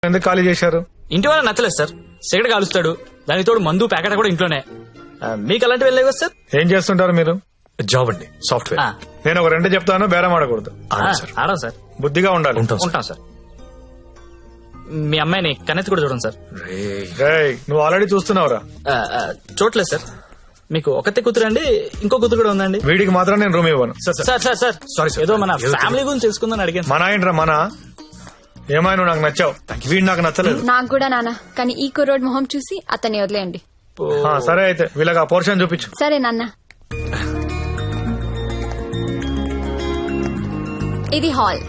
ఎందుకు ఖాళీ చేశారు? ఇంటి వాళ్ళ నచ్చలేదు సార్. సిగరెట్ కాలుస్తాడు, దానికి తోడు మందు ప్యాకెట్ కూడా ఇంట్లోనే. మీకు అలాంటివి వెళ్ళలేవు కదా సార్? ఏం చేస్తుంటారు మీరు? జాబ్ అండి, సాఫ్ట్వేర్. నేను ఒక 2 చెప్తాను, బేరం ఆడకూడదు. ఆడం సార్. బుద్ధిగా ఉండాలి. ఉంటాం సార్. మీ అమ్మాయిని కన్నెత్తి కూడా చూడండి సార్. రేయ్, నువ్వు ఆల్రెడీ చూస్తున్నావురా? చూడలేదు సార్. మీకు ఒకతే కూతురు అండి, ఇంకో కూతురు కూడా ఉందండి. వీడికి మాత్రం నేను రూమ్ ఇవ్వను. సార్ సారీ, ఏదో మన ఫ్యామిలీ గురించి తెలుసుకుందని అడిగాను. మన ఏంట్రా మన? ఏమైనా నువ్వు నాకు నచ్చావు, వీడు నాకు నచ్చలేదు. నాకు కూడా నాన్న, కానీ ఈ కుర్రోడ్ మొహం చూసి అతన్ని వదిలేయండి. సరే అయితే వీళ్ళకి ఆ పోర్షన్ చూపించు. సరే నాన్న. ఇది హాల్,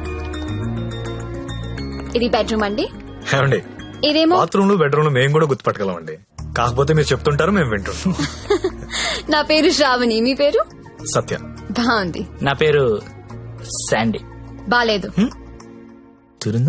ఇది బెడ్రూమ్ అండి. ఏమండి, ఇదేమో బాత్రూమ్ లో బెడ్రూమ్ లో మేము కూడా గుర్తుపట్టగలమండి. కాకపోతే మీరు చెప్తుంటారు, మేము వింటుంటాం. నా పేరు శ్రావణి, మీ పేరు? సత్య. బాగుంది. నా పేరు శాండీ. బాలేదు. తిరుందా?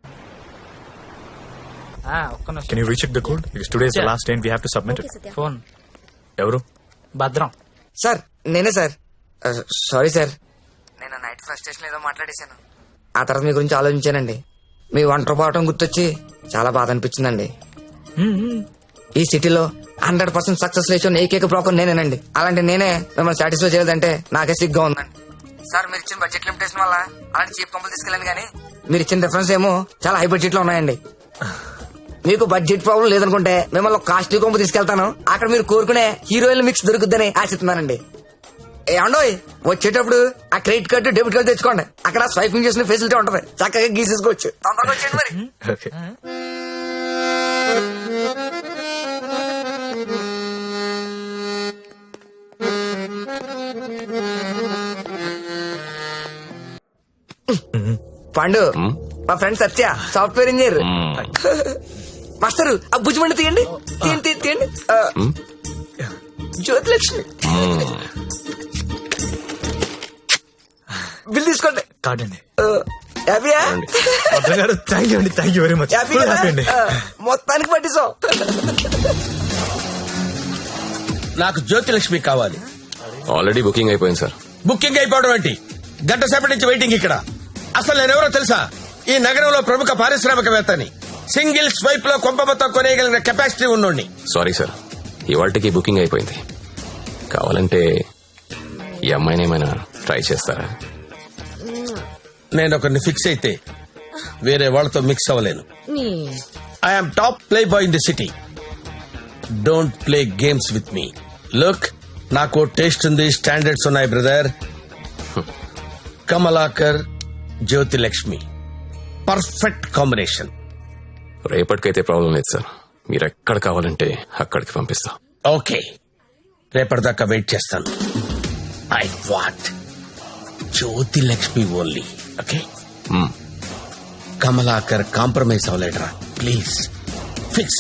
ఒక్క నిమిషం. Can you recheck the code? Because today is the last day and we have to submit it. Phone ఎవరు? భద్రం. సార్ నేనే సార్. సారీ సార్, నేను నైట్ ఫ్రస్ట్రేషన్ ఏదో మాట్లాడేశాను. ఆ తర్వాత మీ గురించి ఆలోచించానండి. మీ ఒంటరి పోవటం గుర్తొచ్చి చాలా బాధ అనిపించిందండి. ఈ సిటీలో 100% సక్సెస్ రేషియో ఏకైక బ్రోకర్ నేనేనండి. అలాంటి నేనే మిమ్మల్ని సాటిస్ఫై చేయలేదంటే నాకే సిగ్గా ఉందండి. సార్ మీరు ఇచ్చిన బడ్జెట్ లిమిటేషన్ వల్ల అలాంటి చీప్ కంపెనీ తీసుకెళ్ళండి, కానీ మీరు ఇచ్చిన రిఫరెన్స్ ఏమో చాలా హై బడ్జెట్ లో ఉన్నాయండి. మీకు బడ్జెట్ ప్రాబ్లం లేదనుకుంటే మిమ్మల్ని కాస్ట్లీ కొంపు తీసుకెళ్తాను. అక్కడ మీరు కోరుకునే హీరోయిన్ మిక్స్ దొరుకుద్దని ఆశిస్తున్నానండి. ఏమండోయ్, వచ్చేటప్పుడు ఆ క్రెడిట్ కార్డు డెబిట్ కార్డు తెచ్చుకోండి. అక్కడ స్వైపింగ్ చేసిన ఫెసిలిటీ ఉంటది, చక్కగా గీసేసుకోవచ్చు. తొందరగా వచ్చేయండి మరి. Okay. పండు, మా friend Satya, software engineer. Master ఆ భుజమండి తీయండి, తీయండి తీయండి. జ్యోతిలక్ష్మి బిల్ తీసుకోండి. కాదండి. హ్యాపీయా? థ్యాంక్ యూ అండి, thank you very much. Happy అండి. మొత్తానికి పట్టిస్తాం. నాకు జ్యోతిలక్ష్మి కావాలి. ఆల్రెడీ బుకింగ్ అయిపోయింది సార్. బుకింగ్ అయిపోవడం ఏంటి? గంట సేపటి నుంచి వెయిటింగ్ ఇక్కడ. అసలు నేనెవరో తెలుసా? ఈ నగరంలో ప్రముఖ పారిశ్రామికవేత్తని. సింగిల్ స్వైప్ లో కొంప మొత్తం కొనేయగలిగిన కెపాసిటీ ఉన్నోడిని. సారీ సార్, ఇవాళకి బుకింగ్ అయిపోయింది. కావాలంటే ఈ అమ్మాయిని ఏమైనా ట్రై చేస్తారా? నేను ఒకరిని ఫిక్స్ అయితే వేరే వాళ్ళతో మిక్స్ అవ్వలేను. I'm top play boy in the city. Don't play games with me. Look, నాకు టేస్ట్ ఉంది, స్టాండర్డ్స్ ఉన్నాయి brother. Kamalakar, Jyothilakshmi, perfect combination. రేపటికైతే ప్రాబ్లం లేదు సార్, మీరు ఎక్కడ కావాలంటే అక్కడికి పంపిస్తా. ఓకే, రేపటిదాకా వెయిట్ చేస్తాను. I want Jyothilakshmi only. Okay, Kamalakar compromise అవ్వలేడరా ప్లీజ్. ఫిక్స్.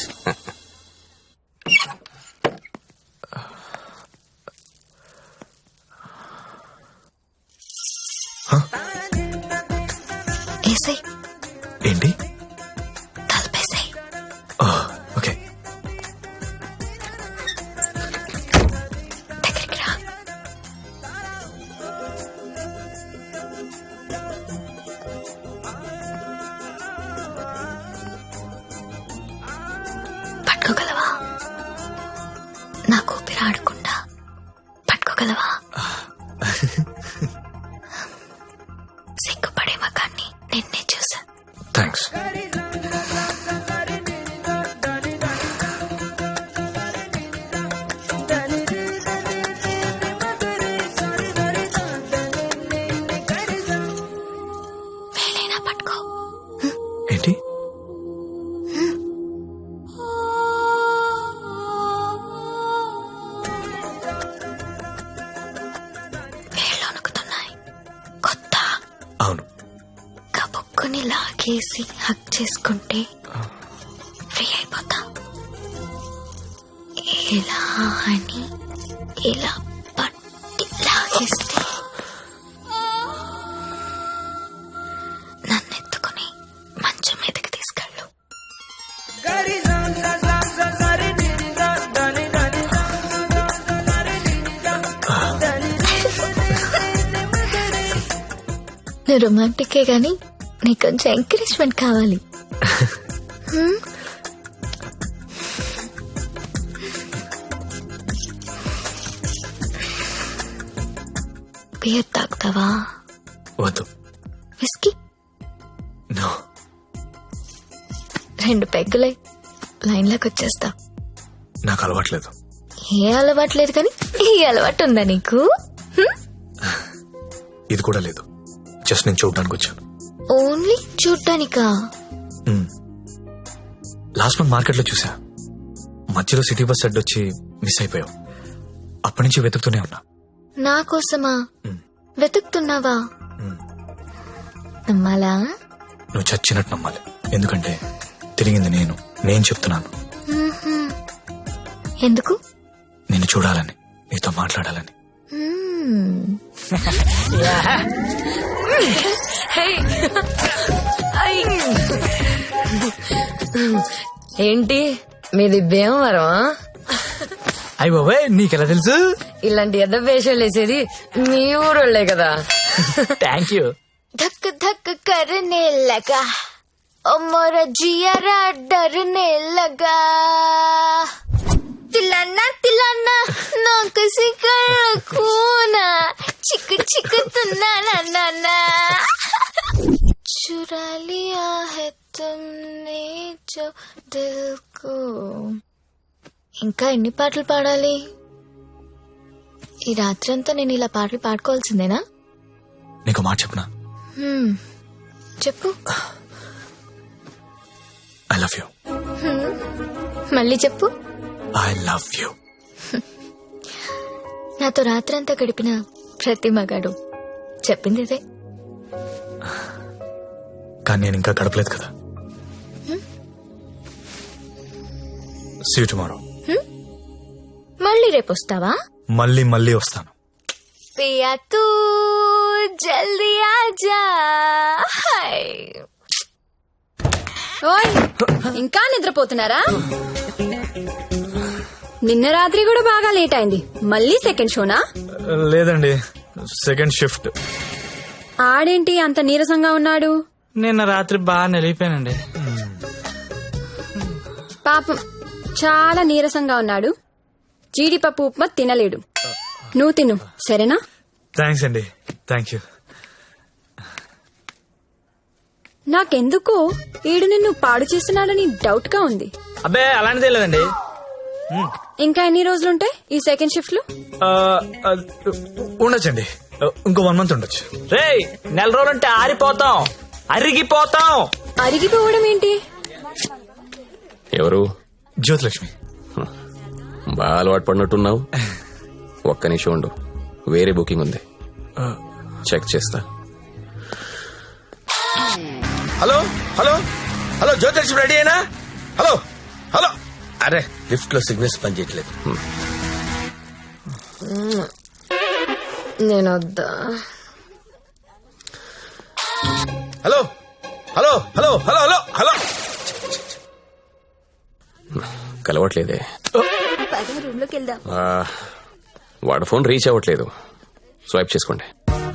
ఏంటి? తలపేసాయి. ఓకే. దగ్గరికి రా. పట్టుకోగలవా? నాకు ఊపిరి ఆడకుండా పట్టుకోగలవా? సిగ్గుపడే మగాన్ని నిన్నే చూసా. థ్యాంక్స్. వేలైనా పట్టుకో. ఏంటి? వేళ్ళు వణుకుతున్నాయి. కొత్త. అవును. కబుక్కుని లాగేసి హక్ చేసుకుంటే ఫ్రీ అయిపోతా. ఇలా అని ఇలా పట్టి లాగేస్తే నన్నెత్తుకుని మంచం మీదకి తీసుకెళ్ళు. నువ్వు రొమాంటికే గాని నీకు కొంచెం ఎంకరేజ్మెంట్ కావాలి. బియర్ తాగుతావా? వద్దు. విస్కీ? నో. 2 పెగ్గులై లైన్లోకి వచ్చేస్తా. నాకు అలవాట్లేదు. ఏ అలవాట్లేదు కానీ ఈ అలవాటు ఉందా నీకు? ఇది కూడా లేదు. జస్ట్ నేను చూడడానికి వచ్చాను. ఓన్లీ చూడ్డానికా? లాస్ట్ మంత్ మార్కెట్ లో చూసా. మధ్యలో సిటీ బస్ అడ్డొచ్చి మిస్ అయిపోయావు. అప్పటి నుంచి వెతుకుతూనే ఉన్నా. నా కోసమా వెతుకుతున్నావా? నమ్మాలా? నువ్వు చచ్చినట్టు నమ్మాలి. ఎందుకంటే తిరిగింది నేను చెప్తున్నాను. ఎందుకు? నిన్ను చూడాలని, నీతో మాట్లాడాలని. ఏంటి మీది భీమవరం? అయ్య బాబాయ్, నీకెలా తెలుసు? ఇలాంటి ఎద్ద వేషాలు వేసేది మీ ఊరోళ్లే కదా. Thank you. धक धक करने लगा और मोरा जियारा डरने लगा. तिलाना तिलाना ना किसी कर खूना चिक चिक तुना ना ना ना चुरा लिया है तुमने जो दिल को. ఇంకా ఎన్ని పాటలు పాడాలి? ఈ రాత్రంతా నేను ఇలా పాటలు పాడుకోవాల్సిందేనా? నీకు మాట చెప్పనా? చెప్పు. I love you. మళ్ళీ చెప్పు. I love you. నాతో రాత్రంతా గడిపిన ప్రతి మగాడు చెప్పింది ఇదే. కానీ నేను ఇంకా గడపలేదు కదా. See you tomorrow. మళ్ళీ రేపు వస్తావా? మళ్ళీ వస్తాను. పియా తూ జల్దీ ఆజా. ఓయ్, ఇంకా నిద్రపోతున్నారా? నిన్న రాత్రి కూడా బాగా లేట్ అయింది. మళ్ళీ సెకండ్ షోనా? లేదండి, సెకండ్ షిఫ్ట్. ఆడేంటి అంత నీరసంగా ఉన్నాడు? నిన్న రాత్రి బాగా నిలిపోయానండి. పాపం చాలా నీరసంగా ఉన్నాడు. జీడిపప్పు ఉప్మా తినలేడు. నువ్వు తిను, సరేనా? థ్యాంక్స్ అండి. Thank you. నాకెందుకో ఈడు నిన్ను పాడు చేస్తున్నాడని డౌట్ గా ఉంది. అబ్బే అలాంటిదే లేదండి. ఇంకా ఎన్ని రోజులుంటాయి ఈ సెకండ్ షిఫ్ట్ లో? ఉండొచ్చండి, ఇంకో 1 month ఉండొచ్చు. రేయ్, 4 రోజులంటే ఆరిపోతాం, అరిగిపోతాం. అరిగిపోవడం ఏంటి? ఎవరు? జ్యోతిలక్ష్మి. బాగా అలవాటు పడినట్టున్నావు. ఒక్క నిమిషం ఉండు, వేరే బుకింగ్ ఉంది, చెక్ చేస్తా. Hello hello hello, Jyothilakshmi ready అయినా? Hello hello. అరే, లిఫ్ట్ లో సిగ్నల్స్ పనిచేయట్లేదు. నేను వద్దా? Hello hello hello hello hello hello. కలవట్లేదే. రూమ్ లోకి వెళ్దాం. వాడు ఫోన్ రీచ్ అవ్వట్లేదు. స్వైప్ చేసుకోండి.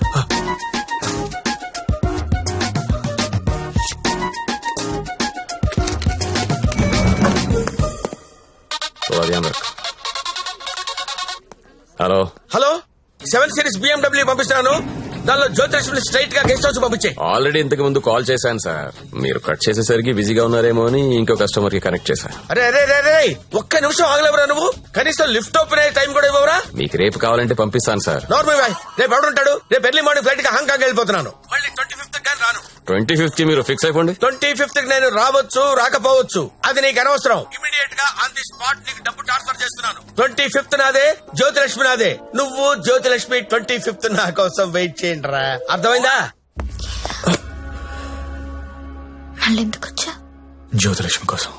హలో హలో, 7 Series BMW పంపిస్తున్నాను. దానిలో జ్యోతిలక్ష్మి స్ట్రైట్ గా గెస్ట్ హౌస్ పంపించే. ఆల్రెడీ ఇంతకు ముందు కాల్ చేశాను సార్. మీరు కట్ చేసేసరికి బిజీగా ఉన్నారేమో అని ఇంకో కస్టమర్ కి కనెక్ట్ చేశాను. అరే అరే అరే, ఒక్క నిమిషం ఆగలేవరా నువ్వు? కనీసం లిఫ్ట్ ఓపెన్ అయ్యే టైం కూడా ఇవ్వరా? మీకు రేపు కావాలంటే పంపిస్తాను సార్. నార్మల్ బాయ్, రేపు ఎవడుంటాడు? రేపు ఎర్లీ మార్నింగ్ ఫ్లైట్ గా హాంకాంగ్ వెళ్ళిపోతున్నాను. మళ్ళీ 25th కానీ రాను. 25th మీరు ఫిక్స్ అయిపోండి. 25th నేను రావచ్చు రాకపోవచ్చు, అది నీకు అనవసరం. ఇమీడియట్ గా ఆన్ ది స్పాట్ నీకు డబ్బు ట్రాన్స్ఫర్ చేస్తున్నాను. 25th నాదే, జ్యోతిలక్ష్మి నాదే. నువ్వు జ్యోతిలక్ష్మి 25th నా కోసం వెయిట్ చేయండి రా. అర్థమైందా? మళ్ళీ ఎందుకు వచ్చా? జ్యోతిలక్ష్మి కోసం.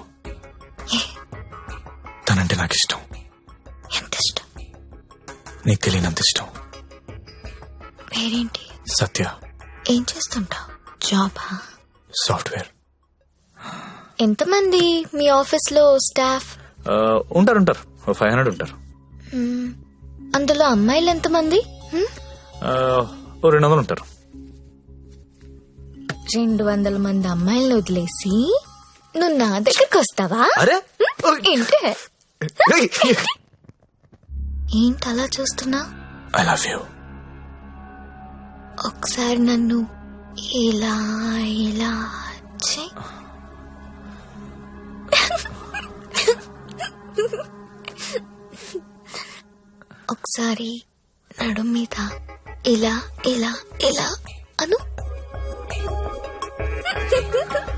తనంటే నాకు ఇష్టం. ఎంత ఇష్టం? నీకు తెలియనంత ఇష్టం. పేరేంటి? సత్య. ఏం చేస్తుంటావు? జాబా? సాఫ్ట్వేర్. ఎంతమంది మీ ఆఫీస్ లో స్టాఫ్? ఉంటారు 500 ఉంటారు. అందులో అమ్మాయిలు ఎంతమంది? 200 ఉంటారు. 200 మంది అమ్మాయిలను వదిలేసి నువ్వు నా దగ్గరకు వస్తావా? అరే ఏంటి ఏంటి అలా చూస్తున్నా? I love you. ఒకసారి నన్ను ఇలా ఇలా చెయ్. ఒకసారి నడు మీద ఇలా ఇలా ఇలా అను.